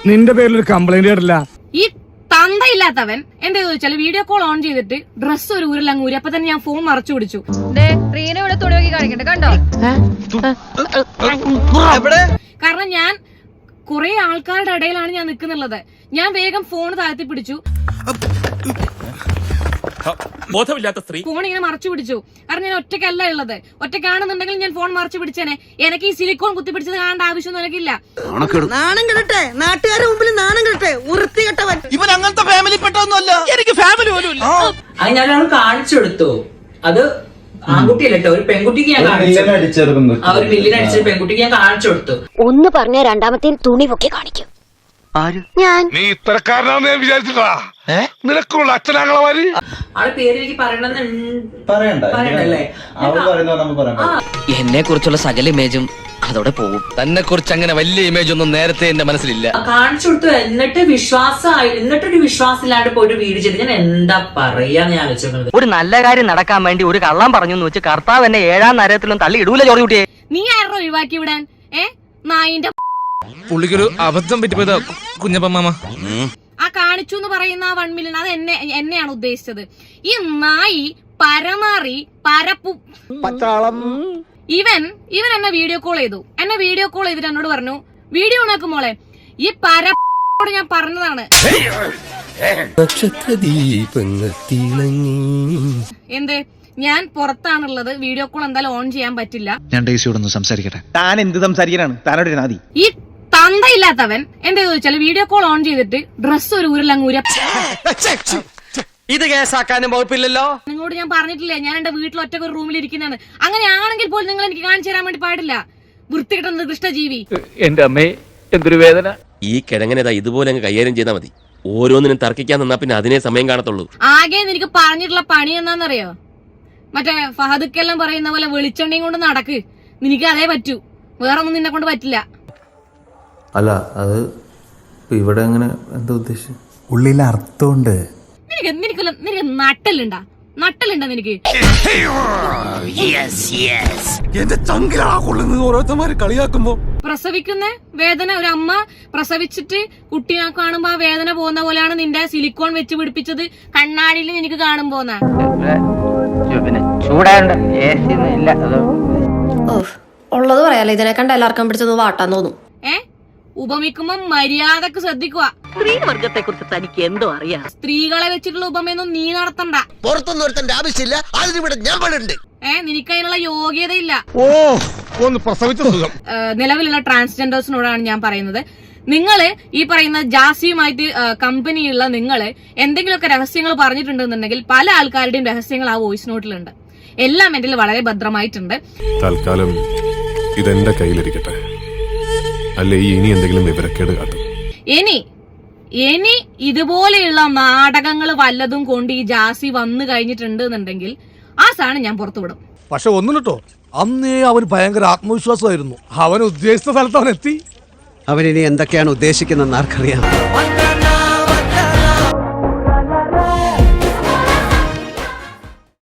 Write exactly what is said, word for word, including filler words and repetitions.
നിന്റെ പേരിൽ ഒരു കംപ്ലൈന്റ് കേട്ടില്ല. ഈ തന്തയില്ലാത്തവൻ എന്താ ചോദിച്ചാല് വീഡിയോ കോൾ ഓൺ ചെയ്തിട്ട് ഡ്രസ്സ് ഒരു ഊരിലങ്ങ് ഊരി. അപ്പൊ തന്നെ ഞാൻ ഫോൺ മറച്ചു പിടിച്ചു. കണ്ടോ? കാരണം ഞാൻ കുറെ ആൾക്കാരുടെ ഇടയിലാണ് ഞാൻ നിൽക്കുന്നുള്ളത്. ഞാൻ വേഗം ഫോൺ താഴ്ത്തി പിടിച്ചു, ബോധമില്ലാത്ത സ്ത്രീ ഫോൺ ഇങ്ങനെ മറച്ചു പിടിച്ചു. കാരണം ഞാൻ ഒറ്റയ്ക്കല്ല ഉള്ളത്. ഒറ്റയ്ക്കാണെന്നുണ്ടെങ്കിൽ ഞാൻ ഫോൺ മറച്ചു പിടിച്ചേനെ. എനിക്ക് ഈ സിലിക്കോൺ കുത്തി പിടിച്ചത് കാണേണ്ട ആവശ്യമൊന്നും എനിക്കില്ല. നാണം കെടട്ടെ, നാട്ടുകാരുടെ മുമ്പിൽ നാണം കെടട്ടെ. വൃത്തികെട്ടവൻ ഇവൻ അങ്ങനത്തെ ഫാമിലി പെട്ടൊന്നുമല്ല. എനിക്ക് ഫാമിലി പോലും ഇല്ല. അത് ഞാൻ കാണിച്ചു കൊടുത്തു. അത് ആൺകുട്ടിയല്ലോ, ഒരു പെൺകുട്ടിക്ക് ഞാൻ കാണിച്ചു. ആ ഒരു മില്ലിന് അടിച്ച പെൺകുട്ടിക്ക് ഞാൻ കാണിച്ചു കൊടുത്തു. ഒന്ന് പറഞ്ഞ രണ്ടാമത്തെ തുണി പൊക്കി കാണിക്കും. ഞാൻ നീ ഇത്തരക്കാരനാന്ന് ഞാൻ വിചാരിച്ചിട്ടാ. നിനക്കുള്ള അച്ഛനാങ്ങളമാര് ആളെ പേര് എനിക്ക് പറയണ്ടല്ലേ. എന്നെ കുറിച്ചുള്ള സകല ഇമേജും അതോടെ പോകും. തന്നെ കുറിച്ച് അങ്ങനെ വലിയ ഇമേജ് ഒന്നും നേരത്തെ എന്റെ മനസ്സിലില്ല. കാണിച്ചു കൊടുത്തു. എന്നിട്ട് വിശ്വാസമായി, എന്നിട്ടൊരു വിശ്വാസം ഇല്ലാണ്ട് പോയിട്ട് വീട് ചെയ്ത് ഞാൻ എന്താ പറയാന്ന് ഞാൻ ആലോചിക്കുന്നത്. ഒരു നല്ല കാര്യം നടക്കാൻ വേണ്ടി ഒരു കള്ളം പറഞ്ഞു എന്ന് വെച്ച് കർത്താവ് എന്നെ ഏഴാം നരകത്തിലും തള്ളി ഇടൂല. ചോറി കുട്ടിയെ നീ ആരോ ഒഴിവാക്കി വിടാൻ? ഏ നായിന്റെ പുള്ളിക്കൊരു അബദ്ധം പറ്റിപ്പോയതാ കുഞ്ഞപ്പമ്മ. ആ കാണിച്ചു എന്ന് പറയുന്ന ആ വൺ മില്യൺ അത് എന്നെ എന്നെയാണ് ഉദ്ദേശിച്ചത്. ഈ നായി പരമാറി പരപ്പു ഇവൻ ഇവൻ എന്നെ വീഡിയോ കോൾ ചെയ്തു. എന്നെ വീഡിയോ കോൾ ചെയ്തിട്ട് എന്നോട് പറഞ്ഞു, വീഡിയോ നോക്കും മോളെ, ഈ പരപ്പോട് ഞാൻ പറഞ്ഞതാണ് എന്ത് ഞാൻ പുറത്താണുള്ളത്, വീഡിയോ കോൾ എന്തായാലും ഓൺ ചെയ്യാൻ പറ്റില്ല. ഞാൻ ഡേസിയോടൊന്ന് സംസാരിക്കട്ടെ. താൻ എന്ത് സംസാരിക്കാനാണ്? താനോട് നാദി ഈ തന്തയില്ലാത്തവൻ എന്താ ചോദിച്ചാല് വീഡിയോ കോൾ ഓൺ ചെയ്തിട്ട് ഡ്രസ്സ് ഒരു ഊരിലങ്ങ് ഊര. ഇത് കേസാക്കാനും വകുപ്പില്ലല്ലോ. നിങ്ങളോട് ഞാൻ പറഞ്ഞിട്ടില്ലേ ഞാൻ എന്റെ വീട്ടിൽ ഒറ്റ ഒരു റൂമിൽ ഇരിക്കുന്നതാണ്. അങ്ങനെയാണെങ്കിൽ പോലും നിങ്ങൾ എനിക്ക് കാണിച്ചു തരാൻ വേണ്ടി പാടില്ല. വൃത്തികെട്ട നികൃഷ്ടജീവി. എന്റെ അമ്മേ എന്തൊരു വേദന. ഈ കിഴങ്ങനേതാ ഇതുപോലെ അങ്ങ് കൈകാര്യം ചെയ്താൽ മതി. ഓരോന്നിനും തർക്കിക്കാൻ നിന്നാ പിന്നെ അതിനെ സമയം കാണത്തുള്ളൂ. ആകെ നിനക്ക് പറഞ്ഞിട്ടുള്ള പണി എന്താണെന്നറിയോ? മറ്റേ ഫഹദുക്കെല്ലാം പറയുന്ന പോലെ വെളിച്ചെണ്ണയും കൊണ്ട് നടക്ക്. നിനക്ക് അതേ പറ്റൂ, വേറെ ഒന്നും നിന്നെ കൊണ്ട് പറ്റില്ല. അല്ല അത് ഇവിടെ എങ്ങനെ എന്താ ഉദ്ദേശിച്ചു? ഉള്ളിൽ അർത്ഥമുണ്ട്. നിനക്ക് നിനക്ക് നിനക്ക് നട്ടലുണ്ടാ? നട്ടലുണ്ടാ നിനക്ക്? എന്റെ ചങ്കിലാ കൊള്ളുന്നത് ഓരോരുത്തന്മാര് കളിയാക്കുമ്പോ. പ്രസവിക്കുന്ന വേദന, ഒരു അമ്മ പ്രസവിച്ചിട്ട് കുട്ടിയെ കാണുമ്പോ ആ വേദന പോകുന്ന പോലെയാണ് നിന്റെ സിലിക്കോൺ വെച്ച് പിടിപ്പിച്ചത് കണ്ണാടിയിൽ നിനക്ക് കാണുമ്പോന്നാ. ചൂടാണ്ട് ഉള്ളത് പറയാലോ, ഇതിനെ കണ്ട എല്ലാവർക്കും പിടിച്ചത് വാട്ടാൻ തോന്നും. ഏ ഉപമിക്കുമ്പോ മര്യാദക്ക് ശ്രദ്ധിക്കുക. സ്ത്രീവർഗത്തെ കുറിച്ച് തനിക്ക് എന്തോ അറിയാം. സ്ത്രീകളെ വെച്ചിട്ടുള്ള ഉപമയൊന്നും നീ നടത്തണ്ട. പുറത്തൊന്നും ഒരുത്തന്റെ ആവശ്യമില്ല. അതിനിവിടെ ഞാൻ പണ്ടുണ്ട്. ഏ നിനക്ക് അതിനുള്ള യോഗ്യതയില്ല. ഓ ഒന്ന് പ്രസവിച്ച സുഖം. നിലവിലുള്ള ട്രാൻസ്ജെൻഡേഴ്സിനോടാണ് ഞാൻ പറയുന്നത്, നിങ്ങള് ഈ പറയുന്ന ജാസിയുമായിട്ട് കമ്പനിയുള്ള നിങ്ങള് എന്തെങ്കിലുമൊക്കെ രഹസ്യങ്ങൾ പറഞ്ഞിട്ടുണ്ടെന്നുണ്ടെങ്കിൽ പല ആൾക്കാരുടെയും രഹസ്യങ്ങൾ ആ വോയിസ് നോട്ടിലുണ്ട്. എല്ലാം എന്റെ വളരെ ഭദ്രമായിട്ടുണ്ട്. തൽക്കാലം ഇതെന്റെ കയ്യിലിരിക്കട്ടെ, അല്ലെ ഇനി എന്തെങ്കിലും വിവരക്കേട് കാട്ടും. ഇനി ഇനി ഇതുപോലെയുള്ള നാടകങ്ങൾ വല്ലതും കൊണ്ട് ഈ ജാസി വന്നു കഴിഞ്ഞിട്ടുണ്ട് എന്നുണ്ടെങ്കിൽ ആ സാധനം ഞാൻ പുറത്തുവിടും. പക്ഷെ ഒന്നും കേട്ടോ, അന്നേ അവന് ഭയങ്കര ആത്മവിശ്വാസമായിരുന്നു. അവൻ ഉദ്ദേശിച്ച സ്ഥലത്ത് അവൻ എത്തി. അവനിനി എന്തൊക്കെയാണ് ഉദ്ദേശിക്കുന്നതെന്ന് ആർക്കറിയാം.